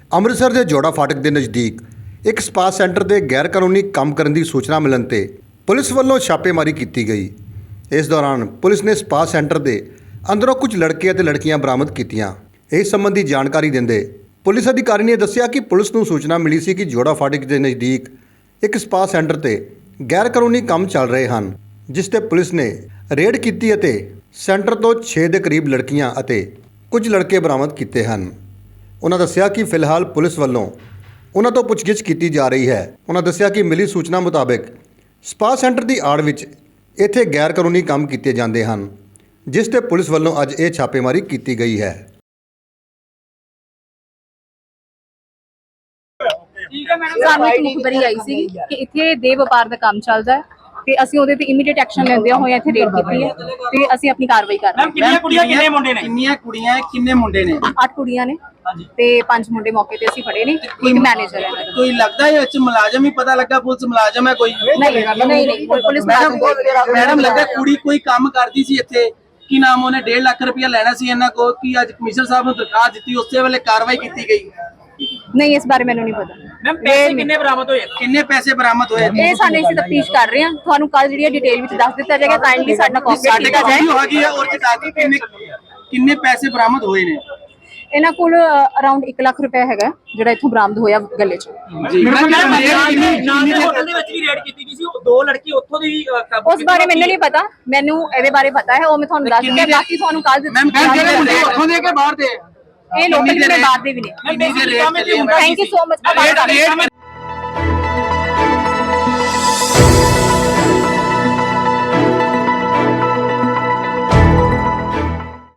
ਅੰਮ੍ਰਿਤਸਰ ਦੇ ਜੋੜਾ ਫਾਟਕ ਦੇ ਨਜ਼ਦੀਕ ਇੱਕ ਸਪਾ ਸੈਂਟਰ ਦੇ ਗੈਰ ਕਾਨੂੰਨੀ ਕੰਮ ਕਰਨ ਦੀ ਸੂਚਨਾ ਮਿਲਣ ਤੇ ਪੁਲਿਸ ਵੱਲੋਂ ਛਾਪੇਮਾਰੀ ਕੀਤੀ ਗਈ। ਇਸ ਦੌਰਾਨ ਪੁਲਿਸ ਨੇ ਸਪਾ ਸੈਂਟਰ ਦੇ ਅੰਦਰੋਂ ਕੁਝ ਲੜਕੇ ਅਤੇ ਲੜਕੀਆਂ ਬਰਾਮਦ ਕੀਤੀਆਂ। ਇਸ ਸੰਬੰਧੀ ਜਾਣਕਾਰੀ ਦਿੰਦੇ ਪੁਲਿਸ ਅਧਿਕਾਰੀ ਨੇ ਦੱਸਿਆ ਕਿ ਪੁਲਿਸ ਨੂੰ ਸੂਚਨਾ ਮਿਲੀ ਸੀ ਕਿ ਜੋੜਾ ਫਾਟਕ ਦੇ ਨਜ਼ਦੀਕ ਇੱਕ ਸਪਾ ਸੈਂਟਰ ਤੇ ਗੈਰ ਕਾਨੂੰਨੀ ਕੰਮ ਚੱਲ ਰਹੇ ਹਨ, ਜਿਸ ਤੇ ਪੁਲਿਸ ਨੇ ਰੇਡ ਕੀਤੀ ਅਤੇ ਸੈਂਟਰ ਤੋਂ 6 ਦੇ ਕਰੀਬ ਲੜਕੀਆਂ ਅਤੇ ਕੁਝ ਲੜਕੇ ਬਰਾਮਦ ਕੀਤੇ ਹਨ। ਉਹਨਾਂ ਦੱਸਿਆ ਕਿ ਫਿਲਹਾਲ ਪੁਲਿਸ ਵੱਲੋਂ ਉਹਨਾਂ ਤੋਂ ਪੁੱਛਗਿੱਛ ਕੀਤੀ ਜਾ ਰਹੀ ਹੈ। ਉਹਨਾਂ ਦੱਸਿਆ ਕਿ ਮਿਲੀ ਸੂਚਨਾ ਮੁਤਾਬਕ ਸਪਾ ਸੈਂਟਰ ਦੀ ਆੜ ਵਿੱਚ ਇੱਥੇ ਗੈਰ ਕਾਨੂੰਨੀ ਕੰਮ ਕੀਤੇ ਜਾਂਦੇ ਹਨ, ਜਿਸ ਤੇ ਪੁਲਿਸ ਵੱਲੋਂ ਅੱਜ ਇਹ ਛਾਪੇਮਾਰੀ ਕੀਤੀ ਗਈ ਹੈ। ਸਾਨੂੰ ਇੱਕ ਮੁਖਬਰੀ ਆਈ ਸੀ ਕਿ ਇੱਥੇ ਦੇਹ ਵਪਾਰ ਦਾ ਕੰਮ ਚੱਲਦਾ ਹੈ ਤੇ ਅਸੀਂ ਉਹਦੇ ਤੇ ਇਮੀਡੀਏਟ ਐਕਸ਼ਨ ਲੈਂਦੇ ਹੋਏ ਇੱਥੇ ਰੇਡ ਕੀਤੀ ਹੈ ਤੇ ਅਸੀਂ ਆਪਣੀ ਕਾਰਵਾਈ ਕਰ ਰਹੇ ਹਾਂ। ਕਿੰਨੀਆਂ ਕੁੜੀਆਂ ਕਿੰਨੇ ਮੁੰਡੇ ਨੇ? ਕਿੰਨੀਆਂ ਕੁੜੀਆਂ ਕਿੰਨੇ ਮੁੰਡੇ ਨੇ? 8 ਕੁੜੀਆਂ ਨੇ ਤੇ 5 ਮੁੰਡੇ ਮੌਕੇ ਤੇ ਅਸੀਂ ਫੜੇ ਨੇ। ਇੱਕ ਮੈਨੇਜਰ ਹੈ। ਕੋਈ ਲੱਗਦਾ ਹੈ ਵਿੱਚ ਮੁਲਾਜ਼ਮ ਹੀ ਪਤਾ ਲੱਗਾ ਪੁਲਿਸ ਮੁਲਾਜ਼ਮ ਹੈ ਕੋਈ? ਨਹੀਂ ਪੁਲਿਸ ਮੈਡਮ ਲੱਗਾ ਕੁੜੀ ਕੋਈ ਕੰਮ ਕਰਦੀ ਸੀ ਇੱਥੇ, ਕੀ ਨਾਮ ਉਹਨੇ 1.5 ਲੱਖ ਰੁਪਇਆ ਲੈਣਾ ਸੀ ਇਹਨਾਂ ਕੋਲ, ਕਿ ਅੱਜ ਕਮਿਸ਼ਨਰ ਸਾਹਿਬ ਨੂੰ ਦਰਖਾਸਤ ਦਿੱਤੀ ਉਸੇ ਵੇਲੇ ਕਾਰਵਾਈ ਕੀਤੀ ਗਈ? ਨਹੀਂ, ਇਸ ਬਾਰੇ ਮੈਨੂੰ ਨਹੀਂ ਪਤਾ। ਮੈਮ ਪੈਸੇ ਕਿੰਨੇ ਬਰਾਮਦ ਹੋਏ? ਕਿੰਨੇ ਪੈਸੇ ਬਰਾਮਦ ਹੋਏ? ਇਹ ਸਾਨੂੰ ਅਸੀਂ ਤਫਤੀਸ਼ ਕਰ ਰਹੇ ਹਾਂ। ਤੁਹਾਨੂੰ ਕੱਲ ਜਿਹੜੀ ਡਿਟੇਲ ਵਿੱਚ ਦੱਸ ਦਿੱਤਾ ਜਾਏਗਾ। ਕਾਈਂਡਲੀ ਸਾਡਾ ਕੋਆਪਰੇਟ ਕੀਤਾ ਜਾਏ। ਕਿੰਨੇ ਪੈਸੇ ਬਰਾਮਦ ਹੋਏ ਨੇ? ਇਹਨਾਂ ਕੋਲ ਅਰਾਊਂਡ 1 ਲੱਖ ਰੁਪਏ ਹੈਗਾ ਜਿਹੜਾ ਇੱਥੋਂ ਬਰਾਮਦ ਹੋਇਆ ਗੱਲੇ 'ਚ। ਜੀ ਹੋਟਲ ਦੇ ਵਿੱਚ ਵੀ ਰੇਡ ਕੀਤੀ ਗਈ ਸੀ, ਉਹ 2 ਲੜਕੀ ਉੱਥੋਂ ਦੀ ਉਸ ਬਾਰੇ ਮੈਨੂੰ ਨਹੀਂ ਪਤਾ। ਮੈਨੂੰ ਇਹਦੇ ਬਾਰੇ ਪਤਾ ਹੈ, ਉਹ ਮੈਂ ਤੁਹਾਨੂੰ ਦੱਸ ਦਿੰਦਾ। ਬਾਕੀ ਤੁਹਾਨੂੰ ਕੱਲ ਉੱਥੋਂ ਦੇ ਕੇ ਬਾਹਰ ਦੇ ਇਹ ਲੋਕਲ ਵੀ ਨੇ, ਬਾਹਰ ਦੇ ਵੀ ਨੇ। Thank you so much.